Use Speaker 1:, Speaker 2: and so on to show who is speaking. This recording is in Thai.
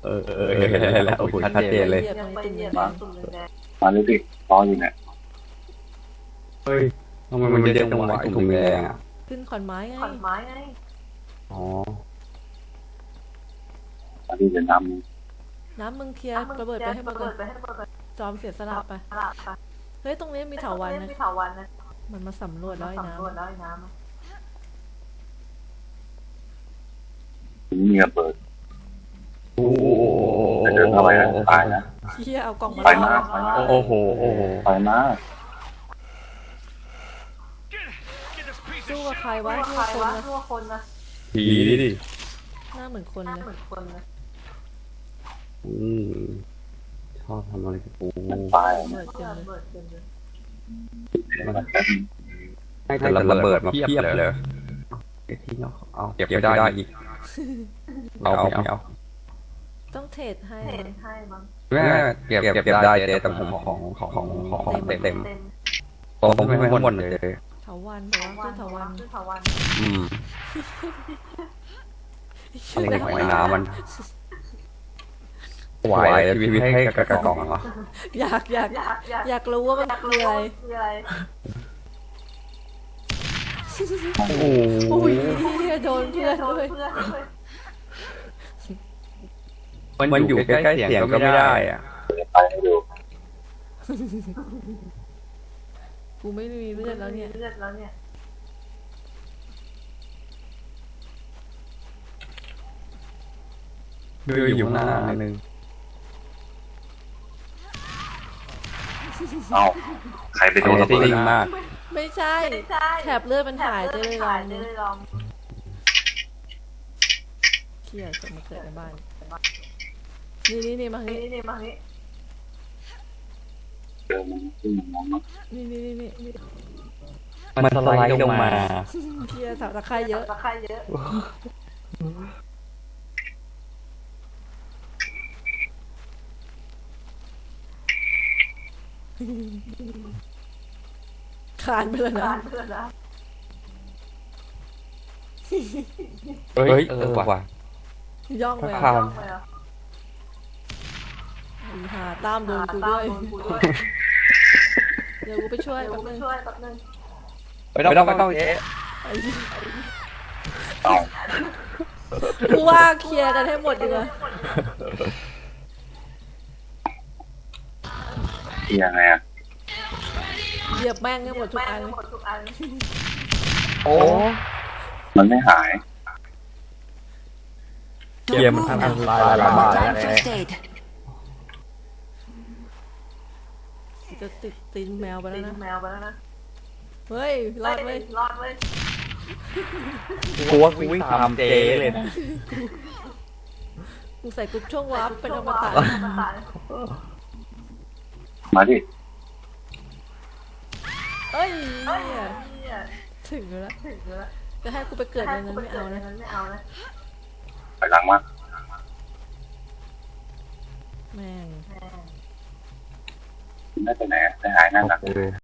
Speaker 1: เห็นแล้วโอ้โหชัดเจนเลย
Speaker 2: ยังไปเหยียบตุ่มแดง
Speaker 3: มาเลยสิรออยู่เนี่ย
Speaker 1: เฮ้ยทำไมมันเยอะจังหวะถุงแดงอ่ะ
Speaker 4: ขึ้นขอนไม้ไง
Speaker 2: ขอนไม้ไง
Speaker 1: อ๋อ
Speaker 3: ตอนนี้จะน
Speaker 4: น้ำมึงเคลียร์ระเบิดไปให้หมดก่อนจอมเสียสละไปเฮ้ยตรงนี้มีเถาวัลย์นะ
Speaker 2: มีเถาวัลย์นะ
Speaker 4: มันมาสำรวจแล้วไอ้น้
Speaker 2: สำรวจแล้วไอ้น้ำ
Speaker 3: ำถึงมีระเบิด
Speaker 1: โอ้โห
Speaker 3: จะเดินเข้าไปนะตายนะ
Speaker 4: ำเฮียเอากล่องมา
Speaker 3: ไปมา
Speaker 1: โอ้โห
Speaker 3: ไปมา
Speaker 4: สู้กับใครวะ
Speaker 2: ใคร
Speaker 4: ทั่วคน
Speaker 2: วะ
Speaker 4: นะ
Speaker 2: ทั่วคนนะ
Speaker 1: ผีดิ
Speaker 4: หน้าเหมือนคน
Speaker 2: หน้า
Speaker 4: เลย
Speaker 2: เหมือนคนนะ
Speaker 1: ชอบทำอะไรกับกู
Speaker 3: ตาย
Speaker 4: ระเบิดเต็มเลย
Speaker 2: เบิดเต็มเลย
Speaker 1: ให้แต่ระเบิดมาเพียบเลยที่เราเอาเก็บไม่ได้อีกเอาไม่เอา
Speaker 4: ต้องเทรดให้
Speaker 2: เห็
Speaker 4: มัน
Speaker 2: นให้มั้ง
Speaker 1: แม่เก็บได้แต่ผมของเต็มผมไม่หมดเลย
Speaker 4: เถาวัลย์บอกว่าขึ้นเถาวัลย์
Speaker 2: ขึ้นเถาวัลย์
Speaker 1: อะไรของไอ้น้ำมันไหวชีวิตให้กระกล่องเหรอ
Speaker 4: อยากรู้ว่ามันคืออะไร
Speaker 2: คืออะไร
Speaker 1: โอ้โห
Speaker 4: อุ้ยโดนเพื่อนด้วย
Speaker 2: เพื่อนด้วย
Speaker 1: มันอยู่ใกล้ๆเสียงก็ไม่ได้อ่ะ
Speaker 3: ไปให้ดู
Speaker 4: กูไม่มีเลือดแล้วเนี่ย
Speaker 2: เลือดแล้วเนี่ย
Speaker 1: ดูอยู่หน้านึง
Speaker 3: เอ้าใครไปโดนระเบิด
Speaker 1: จริงมาก
Speaker 4: ไม่ใช่ แถบเลือดมันหายจะเลยลอง
Speaker 2: จะเลยลอง
Speaker 4: เครียดจะมาเกิดในบ้านนี่มาทางนี้
Speaker 2: นี่มานี่
Speaker 3: เจอมันขึ้นมันมองมา
Speaker 4: นี่
Speaker 1: มันสไลด์ลงมา
Speaker 4: เครียดสาวตะไคร้เยอะ
Speaker 2: ตะไคร้เยอะ
Speaker 4: คานไปเลยนะ
Speaker 2: เพื่อนนะ
Speaker 1: เฮ้ยว่ะ
Speaker 4: ย่องไป
Speaker 1: คาน
Speaker 4: หาตามโดนกูด้วย เดี๋ยวกูไปช่วย
Speaker 2: เดี๋ยว
Speaker 4: แป๊บ
Speaker 2: กู
Speaker 4: นึง
Speaker 2: ช่วยแป๊บนึง
Speaker 1: ไม่ต้องเอ๊ะ
Speaker 3: เอ้า
Speaker 4: กูว่าเคลียร์กันให้หมดดีกว่า
Speaker 3: ยังไงอ่ะ
Speaker 4: เหยียบแม่งให้หมดทุกอันเลย
Speaker 2: หมดทุกอัน
Speaker 1: โอ้
Speaker 3: มันไม่หาย
Speaker 1: เกียร์มันอันตรายระบาดแล้ว
Speaker 4: จะติดตีนแมวไปแล้ว
Speaker 2: ตี
Speaker 4: นะ
Speaker 2: แมวไปแล้วนะ
Speaker 4: เฮ้ยรอดเว้ย
Speaker 2: รอดเว้ย
Speaker 1: กูว่ากูวิ่งตามเจเลยนะ
Speaker 4: กูใส่กรุ๊ปช่วงวาร์ปเป็นอมตะ
Speaker 3: มาดิ
Speaker 4: เอ้ย
Speaker 2: เนี่ย
Speaker 4: ถึงแล้ว
Speaker 2: ถึงแล้ว
Speaker 4: จะให้กูไปเกิดในนั้นไม่เอานะ
Speaker 2: ไม่เอานะ
Speaker 3: ไปหลังมา
Speaker 4: แม่ง
Speaker 3: ไม่ไปไหนไปหายนั่นนะ